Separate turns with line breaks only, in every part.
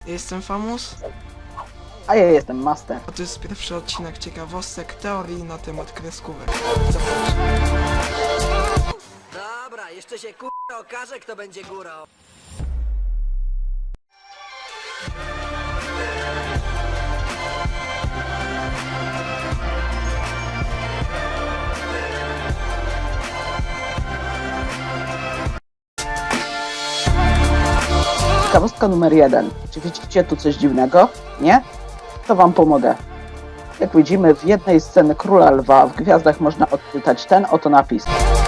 Ja jestem Famus,
A ja jestem Master.
a to jest pierwszy odcinek ciekawostek teorii na temat kreskówek. Zapraszam.
Dobra, jeszcze się okaże, kto będzie górą.
Ciekawostka numer 1. Czy widzicie tu coś dziwnego? Nie? To wam pomogę. Jak widzimy, w jednej scenie Króla Lwa w gwiazdach można odczytać ten oto napis.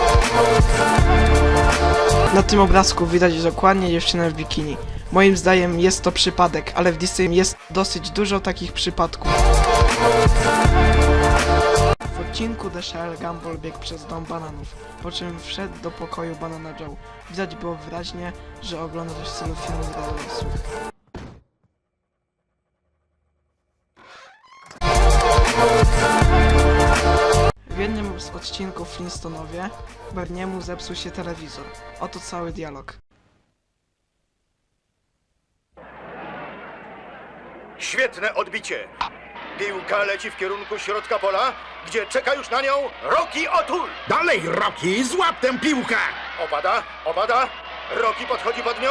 Na tym obrazku widać dokładnie dziewczynę w bikini. Moim zdaniem jest to przypadek, ale w Disney jest dosyć dużo takich przypadków. W odcinku The Shell Gumball biegł przez dom bananów, po czym wszedł do pokoju Banana Joe. Widać było wyraźnie, że ogląda coś w stylu filmów dla dorosłych. W jednym z odcinków Flintstonowie Barniemu zepsuł się telewizor. Oto cały dialog.
Świetne odbicie. Piłka leci w kierunku środka pola, gdzie czeka już na nią Rocky O'Toole.
Dalej, Rocky, złap tę piłkę!
Opada. Rocky podchodzi pod nią.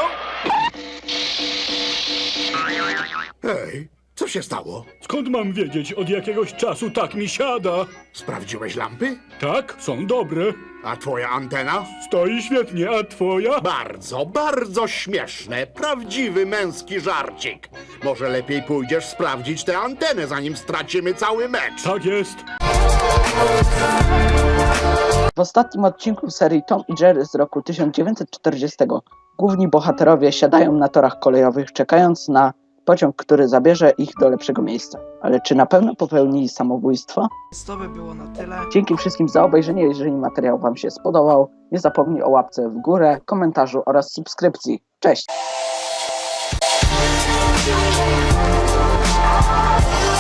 Hej, co się stało?
Skąd mam wiedzieć? Od jakiegoś czasu tak mi siada.
Sprawdziłeś lampy?
Tak, są dobre.
A twoja antena?
Stoi świetnie, a twoja?
Bardzo, bardzo śmieszne. Prawdziwy męski żarcik. Może lepiej pójdziesz sprawdzić tę antenę, zanim stracimy cały mecz.
Tak jest.
W ostatnim odcinku serii Tom i Jerry z roku 1940 główni bohaterowie siadają na torach kolejowych, czekając na pociąg, który zabierze ich do lepszego miejsca. Ale czy na pewno popełnili samobójstwo?
Więc to by było na tyle.
Dzięki wszystkim za obejrzenie. Jeżeli materiał wam się spodobał, nie zapomnij o łapce w górę, komentarzu oraz subskrypcji. Cześć!